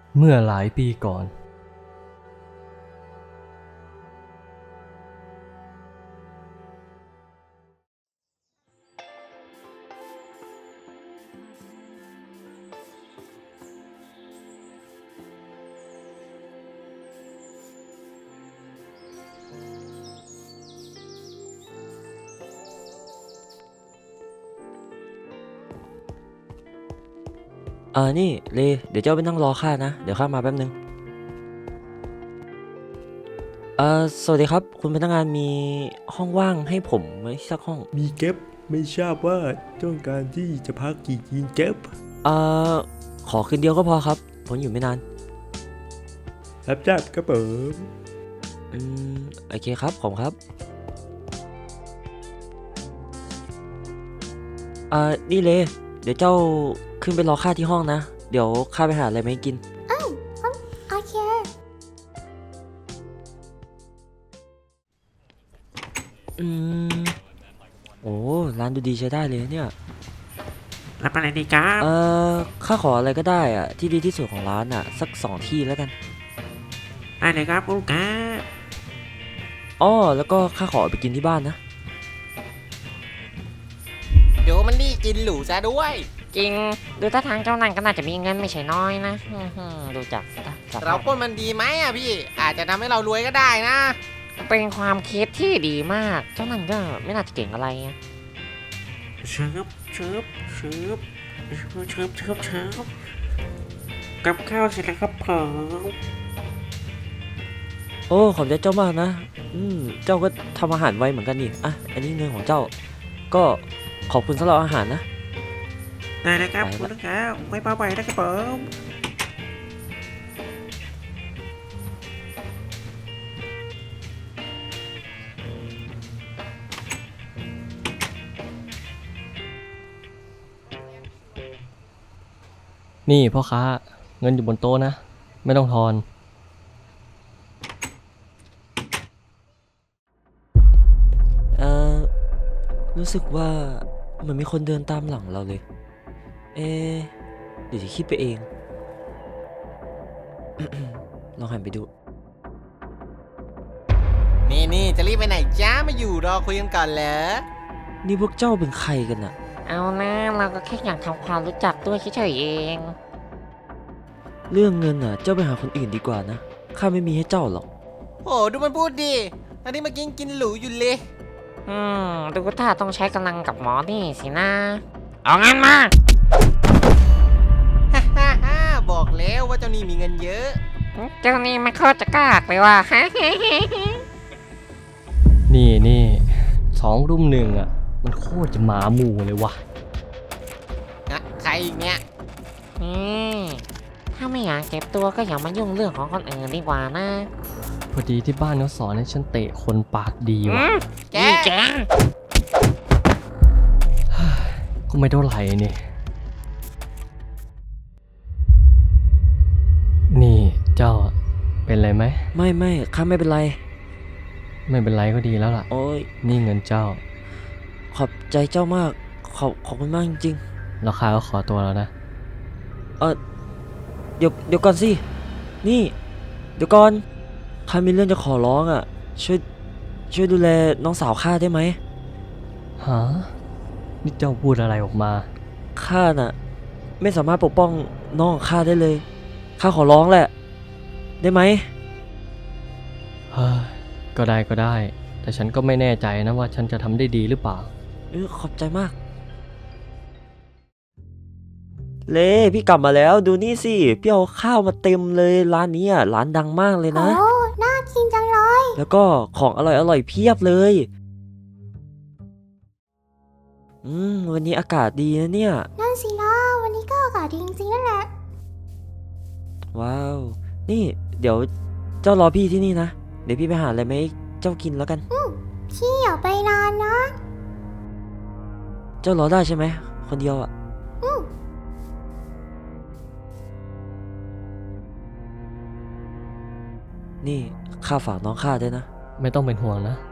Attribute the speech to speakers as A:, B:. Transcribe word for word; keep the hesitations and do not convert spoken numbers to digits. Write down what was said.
A: เมื่อหลายปีก่อน
B: เออนี่เลเดี๋ยวเจ้าไปนั่งรอข้านะเดี๋ยวข้ามาแป๊บนึงเออสวัสดีครับคุณพนักงานมีห้องว่างให้ผมไหมสักห้อง
C: มีเก็บไม่ทราบว่าต้องการที่จะพักกี่กินเก็บ
B: เออขอคืนเดียวก็พอครับผมอยู่ไม่นาน
C: รับทราบครับผม
B: อืมโอเคครับผมครับเออนี่เลเดี๋ยวเจ้าขึ้นไปรอข้าที่ห้องนะเดี๋ยวข้าไปหาอะไรมาให้กิน
D: โอเค
B: อืมโอ้ร้านดูดีใช้ได้เลยเนี่ย
E: รับอะไรดีครับ
B: เออข้าขออะไรก็ได้อะที่ดีที่สุดของร้านอะสักสองที่แล้วกัน
E: ได้เลยครับลูกค้า
B: อ้อแล้วก็ข้าขอไปกินที่บ้านนะ
F: เดี๋ยวมันนี่กินหรูซะด้วย
G: จริงดูท่าทางเจ้านั่นก็น่าจะมีเงินไม่ใช่น้อยนะอื้อหือดูจากสภาพ
F: เราปล้นมันดีไหมอ่ะพี่ อาจจะทำให้เรารวยก็ได้นะ
G: เป็นความคิดที่ดีมาก เจ้านั่นก็ไม่น่าจะเก่งอะไรอะ
E: เชิบเชิบเชิบเชิบเชิบเชิบเชิบกับข้าวเสร็จแล้วครับผม
B: โอ้ขอบใจเจ้ามากนะอืมเจ้าก็ทำอาหารไวเหมือนกันนี่อ่ะอันนี้เงินของเจ้าก็ขอบคุณสำหรับอาหารนะ
E: ได้เลยครับ
B: ไปละ
E: คุณลูกค้าไม่เบาไปนะครับผม
A: นี่พ่อค้าเงินอยู่บนโต๊ะนะไม่ต้องทอน
B: เออรู้สึกว่าเหมือนมีคนเดินตามหลังเราเลยเอะเดี๋ยวจะคิดไปเอง ลองหันไปดู
F: นี่นี่จะรีบไปไหนจ้ามาอยู่รอคุยกันก่อนเหรอ
B: นี่พวกเจ้าเป็นใครกันน่ะ
G: เอานะเราก็แค่อยากทำความรู้จักด้วยเฉยๆเอง
B: เรื่องเงินน่ะเจ้าไปหาคนอื่นดีกว่านะข้าไม่มีให้เจ้าหรอก
F: โอ้ดูมันพูดดิตอนนี้มากินกินหรูอยู่เลย
G: อืมดูท่าต้องใช้กำลังกับหมอนี่สินะเอางั้นมา
F: ฮ่าฮ่าฮ่าบอกแล้วว่าเจ้านี่มีเงินเยอะ
G: เจ้านี่ไม่โคตรจะกล้าเลยว่ะ
A: นี่นี่สองรุ่มหนึ่งอ่ะมันโคตรจะหมาหมู่เลยวะ
F: นะใครอีกเนี่ย
G: นี่ถ้าไม่อยากเจ็บตัวก็อย่ามายุ่งเรื่องของคนอื่นดีกว่านะ
A: พอดีที่บ้านเขาสอนให้ฉันเตะคนปากดี
G: อื
A: วะ
G: ม
F: แก
G: นี่แก
A: ก็ไม่เท่าไหร่นี่นี่เจ้าเป็นไรไหม
B: ไม่ไม่ข้าไม่เป็นไร
A: ไม่เป็นไรก็ดีแล้วล่ะ
B: โอ้ย
A: นี่เงินเจ้า
B: ขอบใจเจ้ามากขอบขอบคุณมากจริง
A: ราคาก็ขอตัวแล้วนะ
B: ๆเออเดี๋ยวเดี๋ยวก่อนสินี่เดี๋ยวก่อนข้ามีเรื่องจะขอร้องอ่ะช่วยช่วยดูแลน้องสาวข้าได้ไหม
A: ฮะนี่เจ้าพูดอะไรออกมา
B: ข้าน่ะไม่สามารถปกป้องน้องของข้าได้เลยข้าขอร้องแหละได้ไหม
A: เฮ้ยก็ได้ก็ได้ แต่ฉันก็ไม่แน่ใจนะว่าฉันจะทำได้ดีหรือเปล่า
B: เออขอบใจมากเล่พี่กลับมาแล้วดูนี่สิพี่เอาข้าวมาเต็มเลยร้านนี้อ่ะร้านดังมากเลยนะ
D: โอ้ น่ากินจังเลย
B: แล้วก็ของอร่อยอร่อยเพียบเลยอืมวันนี้อากาศดีนะเนี่ย
D: นั่นสินะวันนี้ก็อากาศดีจริงๆนั่นแหละ
B: ว้าว นี่เดี๋ยวเจ้ารอพี่ที่นี่นะ เดี๋ยวพี่ไปหาอะไรมาให้เจ้ากินแล้วกัน
D: พี่อย่าไปนานนะ
B: เจ้ารอได้ใช่ไหมคนเดียวอ่ะ
D: อืม
B: นี่ข้าฝากน้องข้าด้วยนะ
A: ไม่ต้องเป็นห่วงนะ